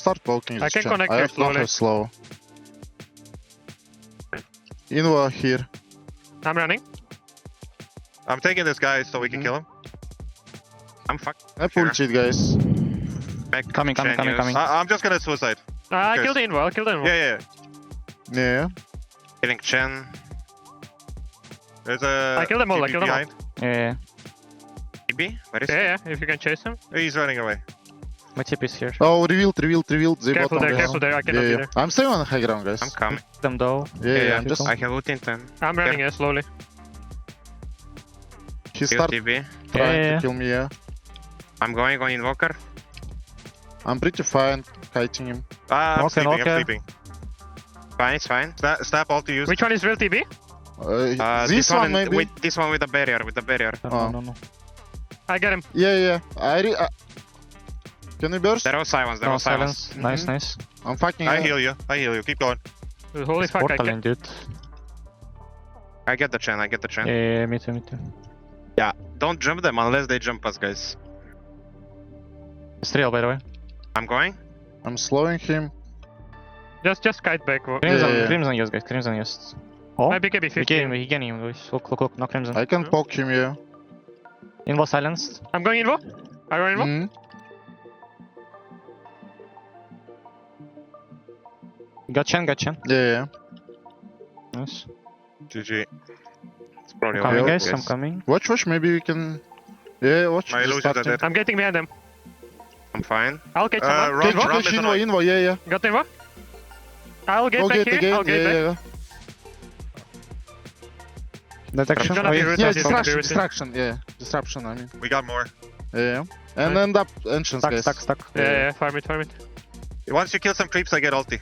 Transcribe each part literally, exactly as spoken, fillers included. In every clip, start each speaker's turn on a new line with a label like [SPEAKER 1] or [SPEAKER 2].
[SPEAKER 1] start poking
[SPEAKER 2] I
[SPEAKER 1] this
[SPEAKER 2] can
[SPEAKER 1] Chen.
[SPEAKER 2] connect
[SPEAKER 1] I
[SPEAKER 2] here
[SPEAKER 1] have not
[SPEAKER 2] slowly.
[SPEAKER 1] have slow. Invo here.
[SPEAKER 2] I'm running.
[SPEAKER 3] I'm taking this guy so we can
[SPEAKER 1] Mhm.
[SPEAKER 3] kill him. I'm fucked.
[SPEAKER 1] I pull
[SPEAKER 3] Sure.
[SPEAKER 1] cheat, guys.
[SPEAKER 3] Back
[SPEAKER 4] Coming, coming, coming, coming.
[SPEAKER 3] I I'm just gonna suicide.
[SPEAKER 2] Uh, I
[SPEAKER 3] Okay.
[SPEAKER 2] killed the Invo, I killed the Invo.
[SPEAKER 3] Yeah, yeah. yeah.
[SPEAKER 1] Yeah.
[SPEAKER 3] Killing Chen. There's a.
[SPEAKER 2] I killed them all, I
[SPEAKER 3] T P
[SPEAKER 2] killed them all.
[SPEAKER 3] behind.
[SPEAKER 4] Yeah,
[SPEAKER 3] T B? Where is
[SPEAKER 2] Yeah, yeah, if you can chase him.
[SPEAKER 3] he? He's running away.
[SPEAKER 4] my tip is here.
[SPEAKER 1] Oh, revealed, revealed, revealed. They
[SPEAKER 2] Careful
[SPEAKER 1] bottom
[SPEAKER 2] there,
[SPEAKER 1] guys.
[SPEAKER 2] careful there, I cannot
[SPEAKER 1] Yeah,
[SPEAKER 2] be
[SPEAKER 1] yeah.
[SPEAKER 2] there.
[SPEAKER 1] I'm staying on the high ground, guys.
[SPEAKER 3] I'm coming.
[SPEAKER 4] Them though.
[SPEAKER 1] Yeah, yeah,
[SPEAKER 3] yeah,
[SPEAKER 1] I'm just.
[SPEAKER 3] I have ult in time.
[SPEAKER 2] I'm running here slowly.
[SPEAKER 1] He
[SPEAKER 3] Kill
[SPEAKER 1] start
[SPEAKER 3] T B.
[SPEAKER 1] trying
[SPEAKER 4] Yeah.
[SPEAKER 1] to kill me, yeah.
[SPEAKER 3] I'm going on Invoker.
[SPEAKER 1] I'm pretty fine kiting him.
[SPEAKER 3] Ah, I'm
[SPEAKER 4] Okay,
[SPEAKER 3] sleeping,
[SPEAKER 4] okay.
[SPEAKER 3] I'm sleeping. Fine, it's fine. Sna snap all to use.
[SPEAKER 2] Which one is real T B?
[SPEAKER 1] Uh,
[SPEAKER 3] Uh,
[SPEAKER 1] this, one,
[SPEAKER 3] in-
[SPEAKER 1] maybe.
[SPEAKER 3] With, this one with the barrier, with the barrier.
[SPEAKER 4] No,
[SPEAKER 1] Oh.
[SPEAKER 4] no, no, no.
[SPEAKER 2] I get him.
[SPEAKER 1] Yeah, yeah. I re- uh, Can we burst?
[SPEAKER 3] There was silence, there
[SPEAKER 4] No
[SPEAKER 3] was silence.
[SPEAKER 4] silence. Nice,
[SPEAKER 1] Mhm.
[SPEAKER 4] nice.
[SPEAKER 1] I'm fucking.
[SPEAKER 3] I
[SPEAKER 1] uh,
[SPEAKER 3] heal you, I heal you. Keep going.
[SPEAKER 2] Holy fuck, I
[SPEAKER 4] Portal
[SPEAKER 2] can.
[SPEAKER 4] in, dude.
[SPEAKER 3] I get the Chen, I get the Chen.
[SPEAKER 4] Yeah, yeah, yeah, me too, me too.
[SPEAKER 3] Yeah, don't jump them unless they jump us, guys.
[SPEAKER 4] It's real, by the way.
[SPEAKER 3] I'm going.
[SPEAKER 1] I'm slowing him.
[SPEAKER 2] Just just kite back. wo-
[SPEAKER 4] Crimson,
[SPEAKER 1] yeah.
[SPEAKER 4] Crimson, yes, guys. Crimson, yes. Oh,
[SPEAKER 2] My B K B
[SPEAKER 4] we
[SPEAKER 2] fifteen.
[SPEAKER 4] gain, we gain him, guys. Look, look, look. No Crimson.
[SPEAKER 1] I can
[SPEAKER 2] Mhm.
[SPEAKER 1] poke him, yeah.
[SPEAKER 4] Invo silenced.
[SPEAKER 2] I'm going Invo. I run Invo.
[SPEAKER 1] Mhm.
[SPEAKER 4] Got Chen, got Chen.
[SPEAKER 1] Yeah, yeah.
[SPEAKER 4] Nice.
[SPEAKER 3] G G. It's probably
[SPEAKER 4] I'm coming,
[SPEAKER 3] over,
[SPEAKER 4] guys. I'm coming.
[SPEAKER 1] Watch, watch. Maybe we can. Yeah, watch.
[SPEAKER 3] My
[SPEAKER 1] just
[SPEAKER 3] illusions are
[SPEAKER 1] starting.
[SPEAKER 3] dead.
[SPEAKER 2] I'm getting behind them.
[SPEAKER 3] I'm fine.
[SPEAKER 2] I'll catch
[SPEAKER 3] Uh,
[SPEAKER 2] someone.
[SPEAKER 3] run,
[SPEAKER 1] Catch,
[SPEAKER 2] Invo?
[SPEAKER 3] run.
[SPEAKER 1] catch,
[SPEAKER 3] Run,
[SPEAKER 1] Invo,
[SPEAKER 3] run.
[SPEAKER 1] Invo, yeah, yeah.
[SPEAKER 2] Got Invo. I'll get
[SPEAKER 1] Go
[SPEAKER 2] back
[SPEAKER 1] get
[SPEAKER 2] here.
[SPEAKER 1] again.
[SPEAKER 2] I'll get
[SPEAKER 1] Yeah,
[SPEAKER 2] back.
[SPEAKER 1] yeah, yeah.
[SPEAKER 4] Detection.
[SPEAKER 2] Gonna
[SPEAKER 4] Oh,
[SPEAKER 2] be
[SPEAKER 4] yeah.
[SPEAKER 2] root-
[SPEAKER 1] Yeah,
[SPEAKER 2] Rotate,
[SPEAKER 1] distraction,
[SPEAKER 2] rotate.
[SPEAKER 1] distraction. Yeah, disruption. I mean.
[SPEAKER 3] We got more.
[SPEAKER 1] Yeah, yeah. And
[SPEAKER 2] Right.
[SPEAKER 1] end up entrance,
[SPEAKER 4] Stuck,
[SPEAKER 1] guys.
[SPEAKER 4] stuck, stuck.
[SPEAKER 2] Yeah, yeah, yeah, farm it, farm it.
[SPEAKER 3] Once you kill some creeps, I get ulti.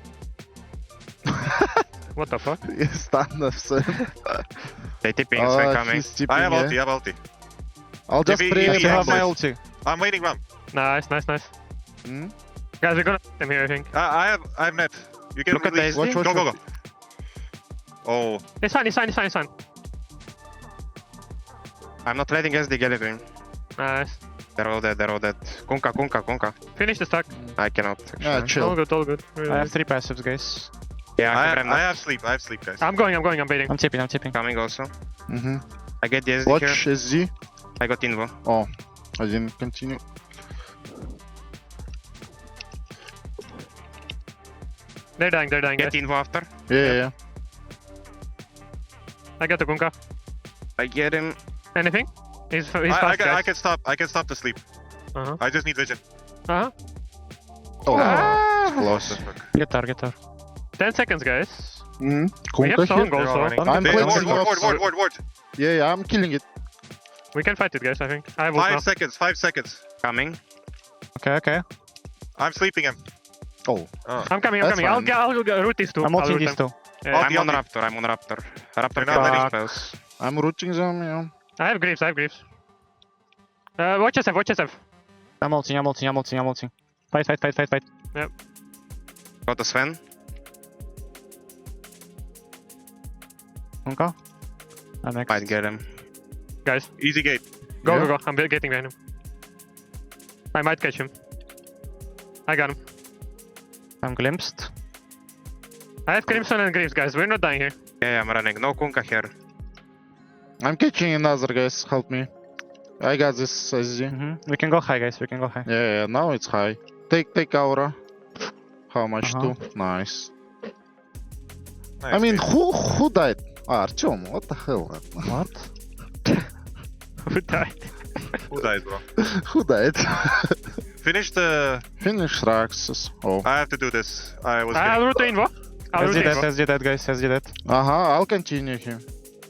[SPEAKER 2] What the fuck?
[SPEAKER 1] Yeah, stand up, son.
[SPEAKER 3] They tipping,
[SPEAKER 1] Oh,
[SPEAKER 3] so coming.
[SPEAKER 1] he's tipping,
[SPEAKER 3] I have
[SPEAKER 1] yeah.
[SPEAKER 3] ulti, I have ulti.
[SPEAKER 1] I'll just
[SPEAKER 3] If he-
[SPEAKER 1] pray.
[SPEAKER 3] if
[SPEAKER 4] I
[SPEAKER 3] he
[SPEAKER 4] still have
[SPEAKER 3] has
[SPEAKER 4] my
[SPEAKER 3] this-
[SPEAKER 4] ulti.
[SPEAKER 3] I'm waiting, Ram.
[SPEAKER 2] Nice, nice, nice.
[SPEAKER 1] Hmm?
[SPEAKER 2] Guys, we're gonna them here, I think.
[SPEAKER 3] I, I have, I have net. You can Look at release. the
[SPEAKER 1] Watch, watch,
[SPEAKER 3] Go, go,
[SPEAKER 1] watch.
[SPEAKER 3] go. Oh,
[SPEAKER 2] It's fine, it's fine, it's fine, it's fine.
[SPEAKER 3] I'm not letting S D get it in.
[SPEAKER 2] Nice.
[SPEAKER 3] They're all dead, they're all dead. Kunka, Kunka, Kunka.
[SPEAKER 2] Finish the stack.
[SPEAKER 3] I cannot,
[SPEAKER 1] Yeah,
[SPEAKER 3] actually.
[SPEAKER 2] All
[SPEAKER 1] chill.
[SPEAKER 2] good, all good. Really
[SPEAKER 4] I have
[SPEAKER 2] good.
[SPEAKER 4] three passives, guys.
[SPEAKER 3] Yeah, I,
[SPEAKER 2] I
[SPEAKER 3] have,
[SPEAKER 2] have
[SPEAKER 3] I have sleep, I have sleep, guys.
[SPEAKER 2] I'm going, I'm going, I'm baiting.
[SPEAKER 4] I'm tipping, I'm tipping.
[SPEAKER 3] Coming also.
[SPEAKER 1] Mm-hmm.
[SPEAKER 3] I get the S D
[SPEAKER 1] Watch
[SPEAKER 3] here.
[SPEAKER 1] S Z.
[SPEAKER 3] I got Invo.
[SPEAKER 1] Oh, I didn't continue.
[SPEAKER 2] They're dying, they're dying,
[SPEAKER 3] Get
[SPEAKER 2] guys.
[SPEAKER 3] Invo after.
[SPEAKER 1] Yeah,
[SPEAKER 2] Yep.
[SPEAKER 1] yeah.
[SPEAKER 2] I got the Kunka.
[SPEAKER 3] I get him.
[SPEAKER 2] Anything? He's, he's
[SPEAKER 3] I, I,
[SPEAKER 2] fast,
[SPEAKER 3] can, I
[SPEAKER 2] guys.
[SPEAKER 3] can stop, I can stop the sleep.
[SPEAKER 2] Uh-huh.
[SPEAKER 3] I just need vision.
[SPEAKER 2] Uh-huh.
[SPEAKER 1] Oh,
[SPEAKER 2] Ah!
[SPEAKER 1] close.
[SPEAKER 3] What the fuck?
[SPEAKER 4] Get her, get her.
[SPEAKER 2] ten seconds, guys.
[SPEAKER 1] Mm-hmm.
[SPEAKER 2] We have
[SPEAKER 1] Kunka
[SPEAKER 2] song
[SPEAKER 1] here.
[SPEAKER 3] They're all
[SPEAKER 2] also.
[SPEAKER 3] running.
[SPEAKER 1] I'm
[SPEAKER 3] Hey,
[SPEAKER 1] cleansing
[SPEAKER 3] ward, ward,
[SPEAKER 1] up,
[SPEAKER 3] ward,
[SPEAKER 1] sorry.
[SPEAKER 3] ward, ward, ward.
[SPEAKER 1] Yeah, yeah, I'm killing it.
[SPEAKER 2] We can fight it, guys, I think. I have ult
[SPEAKER 3] Five
[SPEAKER 2] now.
[SPEAKER 3] seconds, five seconds. Coming.
[SPEAKER 4] Okay, okay.
[SPEAKER 3] I'm sleeping him.
[SPEAKER 1] Oh,
[SPEAKER 3] Oh.
[SPEAKER 2] I'm coming, I'm
[SPEAKER 1] That's
[SPEAKER 2] coming. I'll,
[SPEAKER 1] fine.
[SPEAKER 2] get, I'll get root these two.
[SPEAKER 4] I'm
[SPEAKER 2] I'll
[SPEAKER 4] ulting
[SPEAKER 2] root
[SPEAKER 4] these
[SPEAKER 2] them.
[SPEAKER 4] two.
[SPEAKER 2] Yeah.
[SPEAKER 3] I'm the on ulti. Raptor, I'm on Raptor. Raptor They're can not letting
[SPEAKER 4] letting-
[SPEAKER 3] spells.
[SPEAKER 1] I'm rooting them, yeah.
[SPEAKER 2] I have Greaves, I have Greaves. Uh, watch S F, watch S F.
[SPEAKER 4] I'm ulting, I'm ulting, I'm ulting, I'm ulting. Fight, fight, fight, fight, fight.
[SPEAKER 3] Got the Sven.
[SPEAKER 4] Kunka. I'm next.
[SPEAKER 3] Might get him.
[SPEAKER 2] Guys,
[SPEAKER 3] Easy gate.
[SPEAKER 2] go,
[SPEAKER 1] Yeah.
[SPEAKER 2] go, go. I'm be- getting behind him. I might catch him. I got him.
[SPEAKER 4] I'm glimpsed.
[SPEAKER 2] I have Crimson and Greaves, guys. We're not dying here.
[SPEAKER 3] Yeah, I'm running. No Kunka here.
[SPEAKER 1] I'm catching another, guys. Help me. I got this S Z.
[SPEAKER 4] Mm-hmm. We can go high, guys. We can go high.
[SPEAKER 1] Yeah, yeah, now it's high. Take, take aura. How much
[SPEAKER 4] Uh-huh.
[SPEAKER 1] too? Nice.
[SPEAKER 3] Nice,
[SPEAKER 1] I mean,
[SPEAKER 3] dude.
[SPEAKER 1] who who died? Ah, Artyom, what the hell?
[SPEAKER 4] What?
[SPEAKER 2] Who died?
[SPEAKER 3] Who died, bro?
[SPEAKER 1] Who died?
[SPEAKER 3] Finish the.
[SPEAKER 1] Finish Raxus. Oh.
[SPEAKER 3] I have to do this. I was.
[SPEAKER 2] I'll
[SPEAKER 3] getting-
[SPEAKER 2] root the Invo. I'll root
[SPEAKER 4] S
[SPEAKER 2] the
[SPEAKER 4] D dead,
[SPEAKER 2] Invo.
[SPEAKER 4] S D dead, guys. S D dead.
[SPEAKER 1] Uh-huh, I'll continue him.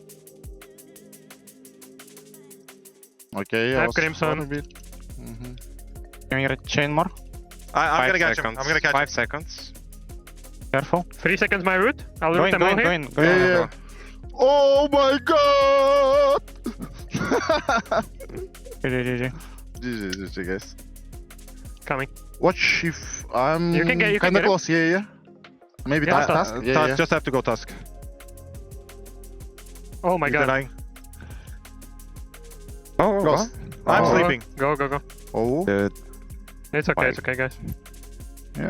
[SPEAKER 1] Okay,
[SPEAKER 2] I have
[SPEAKER 1] was
[SPEAKER 2] Crimson.
[SPEAKER 1] for a bit. Mhm.
[SPEAKER 4] Can we get chain more?
[SPEAKER 3] I, I'm Five gonna catch seconds. him. I'm gonna catch Five him. seconds.
[SPEAKER 4] Careful.
[SPEAKER 2] Three seconds my root. I'll
[SPEAKER 4] Go
[SPEAKER 2] root
[SPEAKER 4] in,
[SPEAKER 2] them
[SPEAKER 4] go
[SPEAKER 2] all
[SPEAKER 4] in,
[SPEAKER 2] here.
[SPEAKER 4] go in, go
[SPEAKER 1] Yeah,
[SPEAKER 4] in.
[SPEAKER 1] yeah. Oh my god!
[SPEAKER 4] G G, G G.
[SPEAKER 1] G G, G G, guys.
[SPEAKER 2] Coming.
[SPEAKER 1] Watch if I'm
[SPEAKER 2] You can get- you can
[SPEAKER 1] kinda
[SPEAKER 2] get him.
[SPEAKER 1] close, yeah, yeah. Maybe
[SPEAKER 2] Yeah,
[SPEAKER 1] task,
[SPEAKER 2] ta-
[SPEAKER 1] task? Yeah,
[SPEAKER 3] Tusk,
[SPEAKER 1] yeah.
[SPEAKER 3] just have to go Tusk.
[SPEAKER 2] Oh my
[SPEAKER 3] He's
[SPEAKER 2] god.
[SPEAKER 3] denying. Oh,
[SPEAKER 1] Close.
[SPEAKER 3] I'm
[SPEAKER 1] Oh.
[SPEAKER 3] sleeping.
[SPEAKER 2] Go, go, go.
[SPEAKER 1] Oh.
[SPEAKER 3] Dude.
[SPEAKER 2] It's okay,
[SPEAKER 3] Fine.
[SPEAKER 2] it's okay, guys.
[SPEAKER 1] Yeah.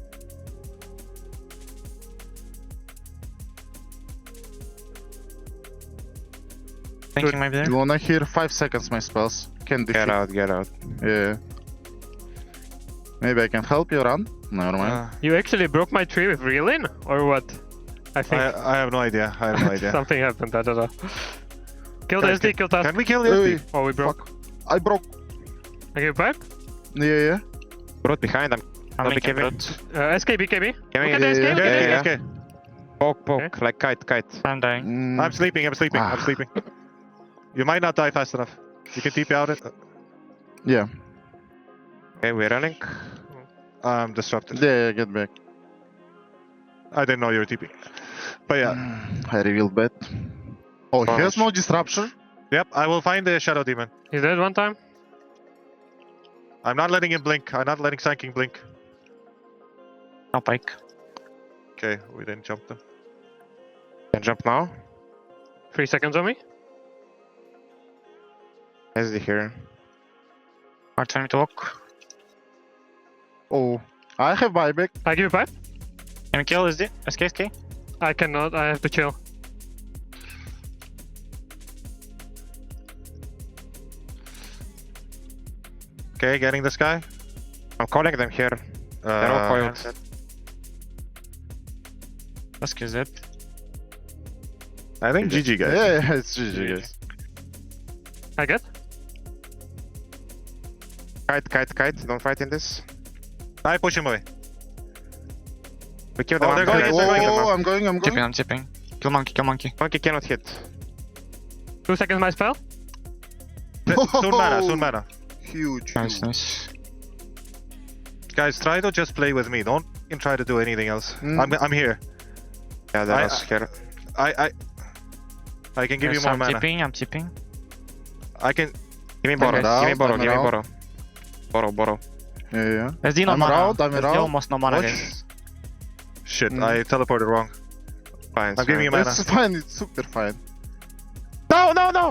[SPEAKER 4] Thinking maybe there.
[SPEAKER 1] You wanna hear five seconds my spells? Can defeat.
[SPEAKER 3] Get out, get out.
[SPEAKER 1] Yeah. Maybe I can help you run. Never mind.
[SPEAKER 3] Uh,
[SPEAKER 2] You actually broke my tree with reeling, or what? I think
[SPEAKER 3] I, I have no idea. I have no idea.
[SPEAKER 2] something happened. I don't know. Kill the
[SPEAKER 3] Can-
[SPEAKER 2] S D, kill Task.
[SPEAKER 3] Can we kill the S D?
[SPEAKER 1] Hey,
[SPEAKER 2] Oh, we broke.
[SPEAKER 1] I broke.
[SPEAKER 2] I give back.
[SPEAKER 1] Yeah, yeah.
[SPEAKER 3] Brute behind. I'm
[SPEAKER 4] I'm
[SPEAKER 3] not
[SPEAKER 4] linking
[SPEAKER 3] BKB.
[SPEAKER 4] brute.
[SPEAKER 2] Uh, S K B K B.
[SPEAKER 3] Can
[SPEAKER 2] Look
[SPEAKER 3] we-
[SPEAKER 2] at the S K,
[SPEAKER 1] yeah,
[SPEAKER 2] look
[SPEAKER 3] Yeah,
[SPEAKER 2] at the
[SPEAKER 3] yeah,
[SPEAKER 2] S K.
[SPEAKER 3] yeah. Poke, poke, like kite, kite.
[SPEAKER 4] I'm dying.
[SPEAKER 1] Mm,
[SPEAKER 3] I'm sleeping, I'm sleeping, I'm
[SPEAKER 1] Ah.
[SPEAKER 3] sleeping. You might not die fast enough. You can T P out it.
[SPEAKER 1] yeah.
[SPEAKER 3] Okay, we're running. I'm disrupted.
[SPEAKER 1] Yeah, yeah, get back.
[SPEAKER 3] I didn't know you were T P. But yeah,
[SPEAKER 1] Mm, I revealed bad. Oh, he has
[SPEAKER 3] Gosh.
[SPEAKER 1] no disruption?
[SPEAKER 3] yep, I will find the Shadow Demon.
[SPEAKER 2] He's dead one time.
[SPEAKER 3] I'm not letting him blink. I'm not letting Sanking blink.
[SPEAKER 4] No pike.
[SPEAKER 3] Okay, we didn't jump them. Can jump now?
[SPEAKER 2] Three seconds on me.
[SPEAKER 3] S D here.
[SPEAKER 4] Hard time to walk.
[SPEAKER 1] Oh, I have buyback.
[SPEAKER 2] I give you five.
[SPEAKER 4] Can we kill S D? S K, S K?
[SPEAKER 2] I cannot. I have to chill.
[SPEAKER 3] Okay, getting this guy. I'm calling them here. They're all
[SPEAKER 4] Uh,
[SPEAKER 3] coiled.
[SPEAKER 4] S K Z.
[SPEAKER 3] I think G G guys.
[SPEAKER 1] Yeah, yeah, it's G G, guys.
[SPEAKER 2] I get.
[SPEAKER 3] Kite, kite, kite. Don't fight in this. I push him away. We kill them. Oh, I'm they're going going, in, they're they're going in.
[SPEAKER 1] Oh, I'm going, I'm
[SPEAKER 4] Tipping,
[SPEAKER 1] going.
[SPEAKER 4] I'm tipping. Kill monkey, kill monkey.
[SPEAKER 3] Monkey cannot hit.
[SPEAKER 2] Two seconds my spell.
[SPEAKER 3] Soon mana, soon mana.
[SPEAKER 1] Huge.
[SPEAKER 4] Nice,
[SPEAKER 1] huge.
[SPEAKER 4] nice.
[SPEAKER 3] Guys, try to just play with me. Don't even try to do anything else.
[SPEAKER 1] Mm.
[SPEAKER 3] I'm, I'm here.
[SPEAKER 4] Yeah,
[SPEAKER 3] that was here. I, I, I can give
[SPEAKER 4] Yes,
[SPEAKER 3] you more
[SPEAKER 4] I'm
[SPEAKER 3] mana.
[SPEAKER 4] tipping, I'm tipping.
[SPEAKER 3] I can. Give me
[SPEAKER 1] I'm
[SPEAKER 3] borrow.
[SPEAKER 1] out,
[SPEAKER 3] Give me borrow.
[SPEAKER 1] I'm
[SPEAKER 3] Give me
[SPEAKER 1] out.
[SPEAKER 3] borrow. Borrow, borrow.
[SPEAKER 1] Yeah, yeah.
[SPEAKER 4] S D no
[SPEAKER 1] I'm
[SPEAKER 4] mana.
[SPEAKER 1] around, I'm
[SPEAKER 4] S D
[SPEAKER 1] around.
[SPEAKER 4] almost no mana,
[SPEAKER 1] Watch.
[SPEAKER 4] guys.
[SPEAKER 3] Shit,
[SPEAKER 1] Mm.
[SPEAKER 3] I teleported wrong.
[SPEAKER 4] Fine,
[SPEAKER 3] I'm giving you mana.
[SPEAKER 1] It's fine, it's super fine.
[SPEAKER 3] No, no, no!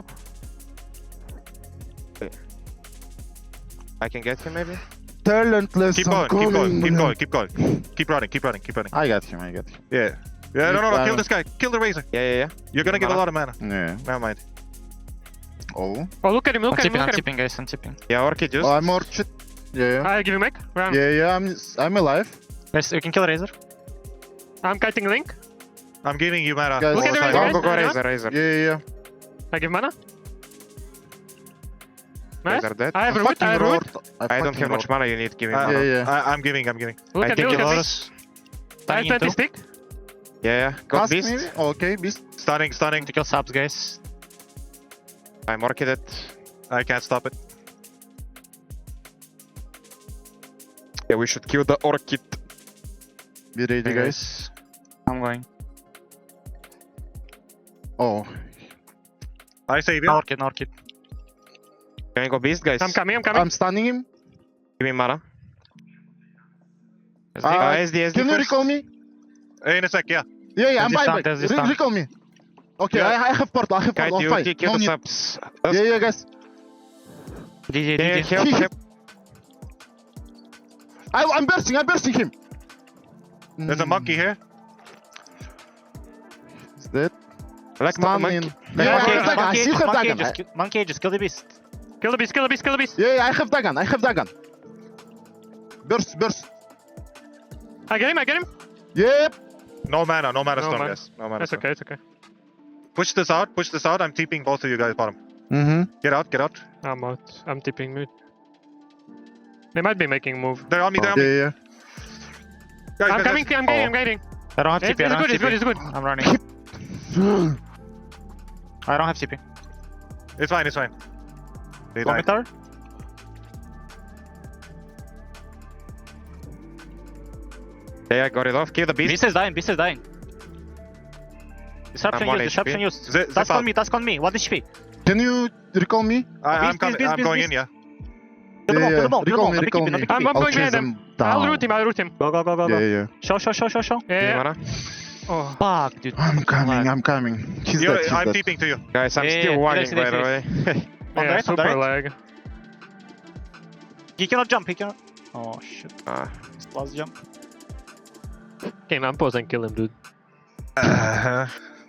[SPEAKER 3] I can get him maybe?
[SPEAKER 1] Talentless.
[SPEAKER 3] Keep
[SPEAKER 1] I'm
[SPEAKER 3] going, keep going, keep
[SPEAKER 1] calling.
[SPEAKER 3] going, keep going. Keep running, keep running, keep running.
[SPEAKER 1] I got him, I got him.
[SPEAKER 3] Yeah. Yeah, no, no, no,
[SPEAKER 1] Uh,
[SPEAKER 3] kill this guy. Kill the Razor. Yeah, yeah, yeah. You're gonna get a
[SPEAKER 4] Mana.
[SPEAKER 3] lot of mana.
[SPEAKER 1] Yeah.
[SPEAKER 3] Never mind.
[SPEAKER 1] Oh.
[SPEAKER 2] Oh, look at him.
[SPEAKER 4] I'm
[SPEAKER 2] Look at him.
[SPEAKER 4] tipping,
[SPEAKER 2] Look
[SPEAKER 4] I'm
[SPEAKER 2] at him.
[SPEAKER 4] tipping, guys, I'm tipping.
[SPEAKER 3] Yeah, Orchid just.
[SPEAKER 1] Oh, I'm Orchid. Yeah, yeah.
[SPEAKER 2] I give you Mech. Run.
[SPEAKER 1] Yeah, yeah, I'm I'm alive.
[SPEAKER 4] Guys, we can kill Razor.
[SPEAKER 2] I'm kiting Link.
[SPEAKER 3] I'm giving you mana.
[SPEAKER 1] Guys,
[SPEAKER 3] all
[SPEAKER 2] Look at
[SPEAKER 3] the
[SPEAKER 2] the
[SPEAKER 3] time.
[SPEAKER 2] Razor,
[SPEAKER 3] Go, go,
[SPEAKER 2] guys.
[SPEAKER 3] Razor, Razor.
[SPEAKER 1] Yeah, yeah, yeah.
[SPEAKER 2] I give mana. Nice.
[SPEAKER 3] Razor dead.
[SPEAKER 2] I have
[SPEAKER 1] I
[SPEAKER 2] root. I
[SPEAKER 1] fucking
[SPEAKER 2] have root.
[SPEAKER 1] roared.
[SPEAKER 3] I don't
[SPEAKER 1] fucking
[SPEAKER 3] have much
[SPEAKER 1] roared.
[SPEAKER 3] mana, you need. Give me
[SPEAKER 1] Uh,
[SPEAKER 3] mana.
[SPEAKER 1] yeah, yeah.
[SPEAKER 3] I, I'm giving, I'm giving.
[SPEAKER 2] Look
[SPEAKER 4] I
[SPEAKER 2] at me.
[SPEAKER 4] think
[SPEAKER 2] Look at me.
[SPEAKER 4] Dolores.
[SPEAKER 2] I have
[SPEAKER 4] Dying
[SPEAKER 2] twenty
[SPEAKER 4] into.
[SPEAKER 2] stick.
[SPEAKER 3] Yeah, yeah. Got
[SPEAKER 1] Cast
[SPEAKER 3] Beast.
[SPEAKER 1] maybe? Okay, Beast.
[SPEAKER 3] Stunning, stunning.
[SPEAKER 4] To kill subs, guys.
[SPEAKER 3] I'm Orchided. I can't stop it. Yeah, we should kill the Orchid.
[SPEAKER 1] Be ready,
[SPEAKER 4] Okay,
[SPEAKER 1] guys.
[SPEAKER 4] I'm going.
[SPEAKER 1] Oh.
[SPEAKER 3] I save
[SPEAKER 4] No
[SPEAKER 3] you.
[SPEAKER 4] orchid, no orchid.
[SPEAKER 3] Can we go Beast, guys?
[SPEAKER 2] I'm coming. I'm coming.
[SPEAKER 1] I'm stunning him.
[SPEAKER 3] Give me mana.
[SPEAKER 4] S D.
[SPEAKER 1] Uh,
[SPEAKER 3] Uh, S D, S D
[SPEAKER 1] Can you
[SPEAKER 3] first.
[SPEAKER 1] recall me?
[SPEAKER 3] In a sec, yeah.
[SPEAKER 1] Yeah, yeah, I'm
[SPEAKER 4] There's this
[SPEAKER 1] buyback.
[SPEAKER 4] tank, there's this
[SPEAKER 1] Re-
[SPEAKER 4] tank.
[SPEAKER 1] recall me. Okay,
[SPEAKER 3] Yeah.
[SPEAKER 1] I, I have portal, I have
[SPEAKER 3] Kite,
[SPEAKER 1] portal.
[SPEAKER 3] you
[SPEAKER 1] Fine.
[SPEAKER 3] kill kill
[SPEAKER 1] No
[SPEAKER 3] the
[SPEAKER 1] need.
[SPEAKER 3] subs.
[SPEAKER 1] Yeah, yeah, guys.
[SPEAKER 4] D J,
[SPEAKER 3] Can you
[SPEAKER 4] D J.
[SPEAKER 3] help, help?
[SPEAKER 1] I, I'm bursting, I'm bursting him.
[SPEAKER 3] There's a
[SPEAKER 1] Mm,
[SPEAKER 3] monkey here.
[SPEAKER 1] Is that?
[SPEAKER 3] Like mon-
[SPEAKER 1] Stunning.
[SPEAKER 3] monkey.
[SPEAKER 1] Yeah,
[SPEAKER 2] Yeah,
[SPEAKER 1] I have
[SPEAKER 2] yeah,
[SPEAKER 1] Dagon. I
[SPEAKER 4] Monkey
[SPEAKER 1] still
[SPEAKER 4] ages,
[SPEAKER 1] have
[SPEAKER 4] monkey
[SPEAKER 1] Dagon.
[SPEAKER 4] ages,
[SPEAKER 1] I-
[SPEAKER 4] kill- monkey ages, kill the beast.
[SPEAKER 2] Kill the beast. Kill the beast. Kill the beast.
[SPEAKER 1] Yeah, yeah, I have Dagon. I have Dagon. Burst, burst.
[SPEAKER 2] I get him. I get him.
[SPEAKER 1] Yep.
[SPEAKER 3] No mana, no mana
[SPEAKER 2] No
[SPEAKER 3] stone,
[SPEAKER 2] mana.
[SPEAKER 3] guys. No mana
[SPEAKER 2] It's
[SPEAKER 3] stone.
[SPEAKER 2] okay. It's okay.
[SPEAKER 3] Push this out, push this out. I'm TPing both of you guys bottom.
[SPEAKER 1] Mm-hmm.
[SPEAKER 3] Get out, get out.
[SPEAKER 2] I'm out. I'm tipping mid. They might be making a move.
[SPEAKER 3] They're on me, they're on
[SPEAKER 1] Yeah,
[SPEAKER 3] me.
[SPEAKER 1] yeah.
[SPEAKER 3] Guys,
[SPEAKER 2] I'm
[SPEAKER 3] guys,
[SPEAKER 2] coming.
[SPEAKER 3] guys.
[SPEAKER 2] I'm getting.
[SPEAKER 3] Oh.
[SPEAKER 2] I'm getting.
[SPEAKER 4] I don't have
[SPEAKER 2] It's,
[SPEAKER 4] T P, I
[SPEAKER 2] it's
[SPEAKER 4] don't
[SPEAKER 2] good.
[SPEAKER 4] have
[SPEAKER 2] It's good.
[SPEAKER 4] T P.
[SPEAKER 2] It's good.
[SPEAKER 4] I'm running. I don't have T P.
[SPEAKER 3] It's fine, it's fine. They
[SPEAKER 4] One
[SPEAKER 3] died.
[SPEAKER 4] tower?
[SPEAKER 3] Yeah, I got it off. Kill the beast.
[SPEAKER 4] Beast is dying, beast is dying. Disruption
[SPEAKER 3] I'm one
[SPEAKER 4] used, disruption
[SPEAKER 3] H P.
[SPEAKER 4] used.
[SPEAKER 3] Zip- zip
[SPEAKER 4] Task on
[SPEAKER 3] out.
[SPEAKER 4] me, task on me. One H P.
[SPEAKER 1] Can you recall me?
[SPEAKER 3] I, I'm
[SPEAKER 4] Beast,
[SPEAKER 3] coming.
[SPEAKER 4] beast,
[SPEAKER 3] I'm
[SPEAKER 4] beast,
[SPEAKER 3] going
[SPEAKER 4] beast.
[SPEAKER 3] in, yeah.
[SPEAKER 4] Kill them all, kill them all, kill them
[SPEAKER 1] recall
[SPEAKER 4] all.
[SPEAKER 1] me,
[SPEAKER 4] No
[SPEAKER 1] recall
[SPEAKER 4] B K B, no
[SPEAKER 1] me.
[SPEAKER 4] B K B.
[SPEAKER 2] I'm- I'm
[SPEAKER 1] I'll
[SPEAKER 2] going
[SPEAKER 1] chase
[SPEAKER 2] behind
[SPEAKER 1] them
[SPEAKER 2] I'll
[SPEAKER 1] down.
[SPEAKER 2] root him. I'll root him.
[SPEAKER 4] Go, go, go, go,
[SPEAKER 1] Yeah,
[SPEAKER 4] go.
[SPEAKER 1] yeah.
[SPEAKER 4] Show, show, show, show, show.
[SPEAKER 2] Yeah.
[SPEAKER 3] Give me
[SPEAKER 2] yeah.
[SPEAKER 3] mana.
[SPEAKER 2] Oh.
[SPEAKER 4] Fuck, dude.
[SPEAKER 1] I'm coming, I'm coming. He's
[SPEAKER 3] You're-
[SPEAKER 1] dead, he's
[SPEAKER 3] I'm
[SPEAKER 1] dead.
[SPEAKER 3] TPing to you. Guys, I'm
[SPEAKER 4] Yeah,
[SPEAKER 3] still
[SPEAKER 4] yeah,
[SPEAKER 3] wagging,
[SPEAKER 4] finish,
[SPEAKER 3] by the way.
[SPEAKER 4] finish, On the
[SPEAKER 2] Yeah.
[SPEAKER 4] right, on the
[SPEAKER 2] Super
[SPEAKER 4] right.
[SPEAKER 2] lag.
[SPEAKER 4] He cannot jump, he cannot. Oh, shit.
[SPEAKER 3] Ah,
[SPEAKER 4] Last jump.
[SPEAKER 2] Okay, I'm pause and kill him, dude.
[SPEAKER 3] Uh,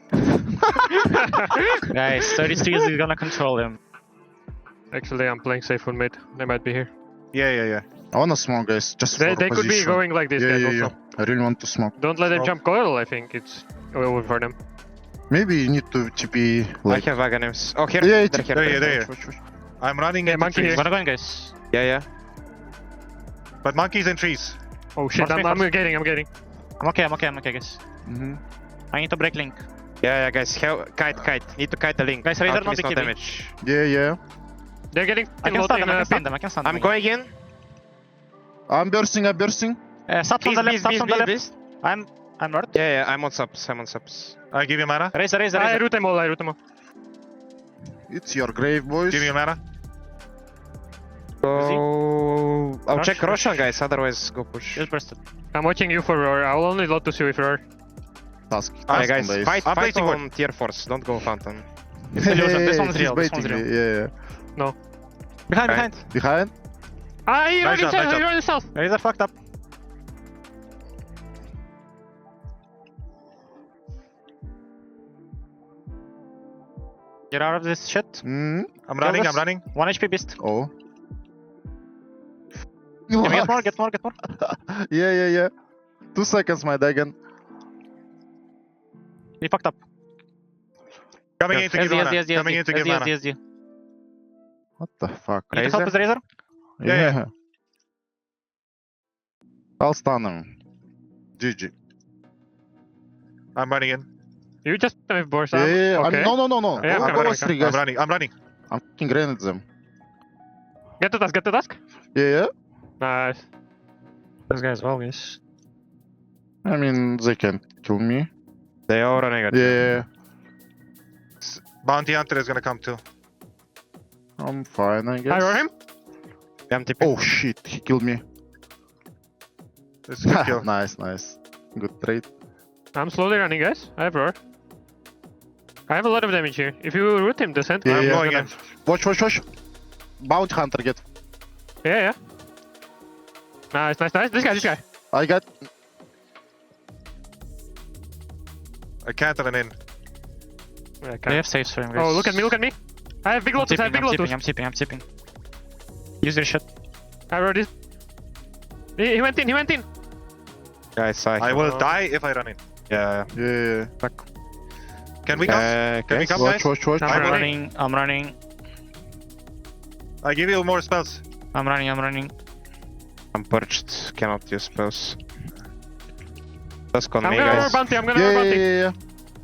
[SPEAKER 4] Guys, thirty-three is gonna control him.
[SPEAKER 2] Actually, I'm playing safe with mid. They might be here.
[SPEAKER 3] yeah, yeah, yeah.
[SPEAKER 1] I wanna smoke, guys. Just
[SPEAKER 2] They,
[SPEAKER 1] for
[SPEAKER 2] they could be
[SPEAKER 1] position.
[SPEAKER 2] going like this,
[SPEAKER 1] Yeah,
[SPEAKER 2] guys,
[SPEAKER 1] yeah,
[SPEAKER 2] also.
[SPEAKER 1] yeah. I really want to smoke.
[SPEAKER 2] Don't let them
[SPEAKER 3] Smoke.
[SPEAKER 2] jump coil, I think it's over for them.
[SPEAKER 1] Maybe you need to T P like.
[SPEAKER 3] I have Aghanim's. Oh, here.
[SPEAKER 1] Yeah,
[SPEAKER 3] They're
[SPEAKER 1] T P.
[SPEAKER 3] here.
[SPEAKER 2] There you,
[SPEAKER 3] They're
[SPEAKER 2] there
[SPEAKER 3] here.
[SPEAKER 1] Watch, watch, watch.
[SPEAKER 3] I'm running
[SPEAKER 2] Yeah,
[SPEAKER 3] into
[SPEAKER 2] monkey
[SPEAKER 3] trees.
[SPEAKER 2] here.
[SPEAKER 4] Gonna go in, guys.
[SPEAKER 3] Yeah, yeah. But monkeys in trees.
[SPEAKER 2] Oh shit,
[SPEAKER 4] Force me,
[SPEAKER 2] I'm, I'm
[SPEAKER 4] force-
[SPEAKER 2] getting, I'm getting.
[SPEAKER 4] I'm okay, I'm okay, I'm okay, guys.
[SPEAKER 1] Mhm.
[SPEAKER 4] I need to break link.
[SPEAKER 3] Yeah, yeah, guys. Help, kite, kite. Need to kite the link.
[SPEAKER 4] Guys, Razor
[SPEAKER 3] Alchemist
[SPEAKER 4] not
[SPEAKER 3] no
[SPEAKER 4] be keeping.
[SPEAKER 3] damage.
[SPEAKER 1] Yeah, yeah.
[SPEAKER 2] They're getting
[SPEAKER 4] I can
[SPEAKER 2] low
[SPEAKER 4] stun
[SPEAKER 2] in
[SPEAKER 4] them, I
[SPEAKER 2] uh,
[SPEAKER 4] can stun
[SPEAKER 2] pit.
[SPEAKER 4] them, I can stun them.
[SPEAKER 3] I'm going in.
[SPEAKER 1] I'm bursting. I'm bursting.
[SPEAKER 4] Uh, subs on
[SPEAKER 3] Beast,
[SPEAKER 4] the left,
[SPEAKER 3] beast,
[SPEAKER 4] subs
[SPEAKER 3] beast,
[SPEAKER 4] on the
[SPEAKER 3] beast,
[SPEAKER 4] left.
[SPEAKER 3] beast.
[SPEAKER 4] I'm, I'm north.
[SPEAKER 3] Yeah, yeah. I'm on subs. I'm on subs. I give you mana.
[SPEAKER 4] Razor, Razor,
[SPEAKER 2] I
[SPEAKER 4] Razor.
[SPEAKER 2] root them all, I root them all.
[SPEAKER 1] It's your grave, boys.
[SPEAKER 3] Give me mana. Go. I'll
[SPEAKER 4] Rush,
[SPEAKER 3] check
[SPEAKER 4] rush.
[SPEAKER 3] Roshan, guys. Otherwise, go push.
[SPEAKER 4] Just bursted.
[SPEAKER 2] I'm watching you for roar. I'll only lot to see with roar.
[SPEAKER 1] Task.
[SPEAKER 3] Alright,
[SPEAKER 1] task
[SPEAKER 3] guys.
[SPEAKER 1] on base.
[SPEAKER 3] Fight, I'm fight placing on tier force. Don't go fountain.
[SPEAKER 4] It's illusion. This one's
[SPEAKER 1] He's
[SPEAKER 4] real, this
[SPEAKER 1] baiting
[SPEAKER 4] one's
[SPEAKER 1] me.
[SPEAKER 4] real.
[SPEAKER 1] Yeah, yeah.
[SPEAKER 4] Behind,
[SPEAKER 3] Alright.
[SPEAKER 4] behind.
[SPEAKER 1] Behind.
[SPEAKER 2] Ah, he
[SPEAKER 3] Nice
[SPEAKER 2] ran
[SPEAKER 3] job,
[SPEAKER 2] himself,
[SPEAKER 3] nice
[SPEAKER 2] he
[SPEAKER 3] job.
[SPEAKER 2] ran himself.
[SPEAKER 4] Razor fucked up. Get out of this shit.
[SPEAKER 1] Mm.
[SPEAKER 3] I'm running.
[SPEAKER 4] this.
[SPEAKER 3] I'm running.
[SPEAKER 4] One H P beast.
[SPEAKER 1] Oh.
[SPEAKER 4] Can we get more? Get more, get more.
[SPEAKER 1] Yeah, yeah, yeah. Two seconds, my Dagon.
[SPEAKER 4] We fucked up.
[SPEAKER 3] Coming in to give
[SPEAKER 4] S D,
[SPEAKER 3] mana.
[SPEAKER 4] S D, S D,
[SPEAKER 3] Coming in to give
[SPEAKER 4] S D,
[SPEAKER 3] mana.
[SPEAKER 4] S D.
[SPEAKER 1] What the fuck?
[SPEAKER 4] Need to help with Razor?
[SPEAKER 3] Yeah, yeah.
[SPEAKER 1] I'll stun him. G G.
[SPEAKER 3] I'm running in.
[SPEAKER 2] You just with Boris.
[SPEAKER 1] Yeah, yeah, yeah.
[SPEAKER 2] Okay.
[SPEAKER 1] I'm, no, no, no, no.
[SPEAKER 2] Yeah,
[SPEAKER 1] Go-
[SPEAKER 2] I'm
[SPEAKER 1] go
[SPEAKER 2] running,
[SPEAKER 1] last three,
[SPEAKER 3] I'm
[SPEAKER 1] guys.
[SPEAKER 3] running. I'm running.
[SPEAKER 1] I'm fucking grenade them.
[SPEAKER 2] Get to task, get to task.
[SPEAKER 1] Yeah, yeah.
[SPEAKER 2] Nice.
[SPEAKER 4] This guy's well, guys.
[SPEAKER 1] I mean, they can kill me.
[SPEAKER 3] They all running at
[SPEAKER 1] Yeah,
[SPEAKER 3] Bounty Hunter is gonna come too.
[SPEAKER 1] I'm fine, I guess.
[SPEAKER 2] I roar him.
[SPEAKER 3] I'm tipping.
[SPEAKER 1] Oh shit, he killed me.
[SPEAKER 3] It's a good kill.
[SPEAKER 1] Nice, nice. Good trade.
[SPEAKER 2] I'm slowly running, guys. I have roar. I have a lot of damage here. If you root him, descent.
[SPEAKER 1] Yeah,
[SPEAKER 3] I'm
[SPEAKER 1] yeah.
[SPEAKER 3] going in.
[SPEAKER 1] Watch, watch, watch. Bounty Hunter get.
[SPEAKER 2] Yeah, yeah. Nice, nice, nice. This guy, this guy.
[SPEAKER 1] I got.
[SPEAKER 3] I can't run in.
[SPEAKER 2] Yeah, I
[SPEAKER 4] They
[SPEAKER 2] can't.
[SPEAKER 4] have saves for him, guys.
[SPEAKER 2] Oh, look at me, look at me. I have big
[SPEAKER 4] I'm
[SPEAKER 2] lotus, I have
[SPEAKER 4] tipping,
[SPEAKER 2] big
[SPEAKER 4] I'm tipping,
[SPEAKER 2] lotus.
[SPEAKER 4] I'm tipping, I'm tipping. Use your shit.
[SPEAKER 2] I roar this. He, he went in, he went in.
[SPEAKER 3] Guys, I, I
[SPEAKER 2] have-
[SPEAKER 3] will die if I run in. Yeah.
[SPEAKER 1] Yeah, yeah.
[SPEAKER 3] Can we come?
[SPEAKER 4] Uh,
[SPEAKER 3] Can we
[SPEAKER 4] guys,
[SPEAKER 3] come,
[SPEAKER 1] Watch,
[SPEAKER 3] guys?
[SPEAKER 1] watch, watch.
[SPEAKER 2] I'm
[SPEAKER 4] I'm
[SPEAKER 2] running.
[SPEAKER 4] running, I'm running,
[SPEAKER 3] I give you more spells.
[SPEAKER 4] I'm running, I'm running.
[SPEAKER 3] I'm perched. Cannot use spells. Just on
[SPEAKER 2] I'm
[SPEAKER 3] me,
[SPEAKER 2] gonna roar
[SPEAKER 3] guys.
[SPEAKER 2] bounty, I'm gonna
[SPEAKER 1] Yeah,
[SPEAKER 2] roar
[SPEAKER 1] yeah,
[SPEAKER 2] bounty.
[SPEAKER 1] yeah, yeah.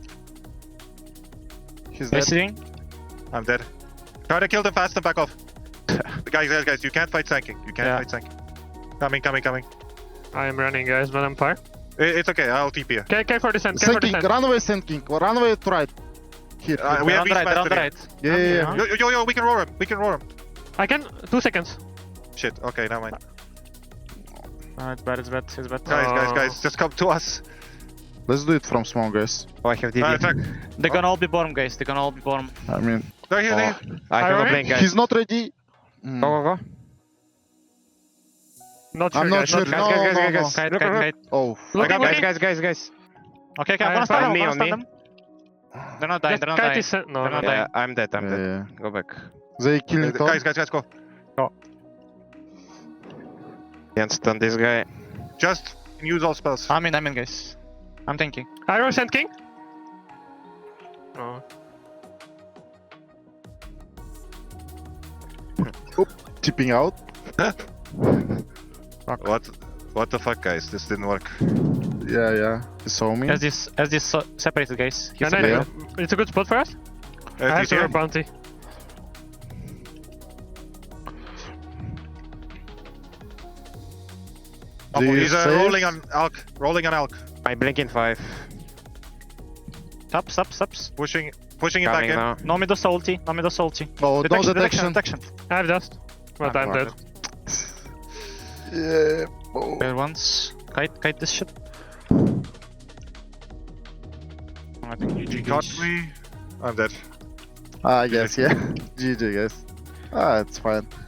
[SPEAKER 1] He's
[SPEAKER 4] They're
[SPEAKER 1] dead.
[SPEAKER 4] sitting.
[SPEAKER 3] I'm dead. Try to kill them fast and back off. guys, guys, guys, you can't fight Sanking. You can't
[SPEAKER 4] Yeah.
[SPEAKER 3] fight Sanking. Coming, coming, coming.
[SPEAKER 2] I am running, guys, but I'm far.
[SPEAKER 3] I- It's okay. I'll T P you.
[SPEAKER 2] Okay, okay for descent, okay
[SPEAKER 1] Sand
[SPEAKER 2] for
[SPEAKER 1] King,
[SPEAKER 2] descent.
[SPEAKER 1] run away, Sand King. Run away to right. Here.
[SPEAKER 3] Uh,
[SPEAKER 1] here.
[SPEAKER 3] we
[SPEAKER 4] They're
[SPEAKER 3] have
[SPEAKER 4] on the right,
[SPEAKER 3] beast
[SPEAKER 4] they're on the
[SPEAKER 3] mastery.
[SPEAKER 4] right.
[SPEAKER 1] Yeah, yeah, yeah.
[SPEAKER 3] Yo, yo, yo, yo, we can roar him. We can roar him.
[SPEAKER 2] I can, two seconds.
[SPEAKER 3] Shit. Okay, never mind.
[SPEAKER 4] Oh, it's bad, it's bad, it's bad.
[SPEAKER 3] Guys, guys,
[SPEAKER 2] Oh.
[SPEAKER 3] guys, just come to us.
[SPEAKER 1] Let's do it from small, guys.
[SPEAKER 3] Oh, I have D D.
[SPEAKER 2] Uh,
[SPEAKER 3] Uh, attack.
[SPEAKER 4] They're gonna all be bottom, guys. They're gonna all be bottom.
[SPEAKER 1] I mean,
[SPEAKER 3] They're here, they're
[SPEAKER 1] oh,
[SPEAKER 3] here. I have
[SPEAKER 2] Alright.
[SPEAKER 3] a blink, guys.
[SPEAKER 1] he's not ready. Mm.
[SPEAKER 3] Go, go, go.
[SPEAKER 2] Not sure,
[SPEAKER 1] I'm not
[SPEAKER 2] guys.
[SPEAKER 1] sure.
[SPEAKER 3] Guys,
[SPEAKER 1] No,
[SPEAKER 3] guys,
[SPEAKER 1] no,
[SPEAKER 3] guys,
[SPEAKER 1] no.
[SPEAKER 3] guys.
[SPEAKER 4] Kite,
[SPEAKER 3] Look,
[SPEAKER 4] kite,
[SPEAKER 3] look,
[SPEAKER 4] kite.
[SPEAKER 1] Oh,
[SPEAKER 3] I
[SPEAKER 2] Look
[SPEAKER 3] got
[SPEAKER 2] at
[SPEAKER 3] guys,
[SPEAKER 2] me.
[SPEAKER 3] guys, guys, guys.
[SPEAKER 4] Okay, okay, I'm
[SPEAKER 2] I
[SPEAKER 4] gonna stun
[SPEAKER 2] am
[SPEAKER 4] them, I'm
[SPEAKER 3] me,
[SPEAKER 4] gonna
[SPEAKER 3] on
[SPEAKER 4] stun
[SPEAKER 3] me.
[SPEAKER 4] them. They're not dying,
[SPEAKER 2] Just
[SPEAKER 4] they're not
[SPEAKER 2] kite
[SPEAKER 4] dying.
[SPEAKER 2] is sent. No,
[SPEAKER 4] They're
[SPEAKER 2] no,
[SPEAKER 4] not
[SPEAKER 2] no.
[SPEAKER 3] Yeah, I'm dead, I'm
[SPEAKER 1] yeah,
[SPEAKER 3] dead.
[SPEAKER 1] yeah.
[SPEAKER 3] Go back.
[SPEAKER 1] They killing
[SPEAKER 3] Uh,
[SPEAKER 1] Tom.
[SPEAKER 3] guys, guys, guys, go.
[SPEAKER 4] Go.
[SPEAKER 3] Can't stun this guy. Just use all spells.
[SPEAKER 4] I'm in, I'm in, guys. I'm thinking.
[SPEAKER 2] I roar Sand King. Oh.
[SPEAKER 1] Tipping out.
[SPEAKER 3] What? What the fuck, guys? This didn't work.
[SPEAKER 1] Yeah, yeah. He saw me.
[SPEAKER 4] As this, as this so separated, guys. He's
[SPEAKER 2] And I,
[SPEAKER 1] Yeah.
[SPEAKER 2] it's a good spot for us.
[SPEAKER 3] Uh,
[SPEAKER 2] I have
[SPEAKER 3] he's
[SPEAKER 2] to
[SPEAKER 3] here.
[SPEAKER 2] roar bounty.
[SPEAKER 1] Do you
[SPEAKER 3] He's uh,
[SPEAKER 1] save?
[SPEAKER 3] rolling on Alk. Rolling on Alk. I blink in five.
[SPEAKER 4] Up, up, ups.
[SPEAKER 3] Pushing, pushing it back in.
[SPEAKER 4] No me does ulti, no me does ulti.
[SPEAKER 1] Oh,
[SPEAKER 4] Detection,
[SPEAKER 1] no
[SPEAKER 4] detection,
[SPEAKER 1] detection.
[SPEAKER 4] detection.
[SPEAKER 2] I have dust. But
[SPEAKER 4] Ah,
[SPEAKER 2] I'm
[SPEAKER 4] fuck.
[SPEAKER 2] dead.
[SPEAKER 1] Yeah. Oh.
[SPEAKER 4] There once. Kite, kite this shit. I think you
[SPEAKER 3] He caught me. I'm dead.
[SPEAKER 1] Ah, I guess, yeah. G G, guys. Ah, it's fine.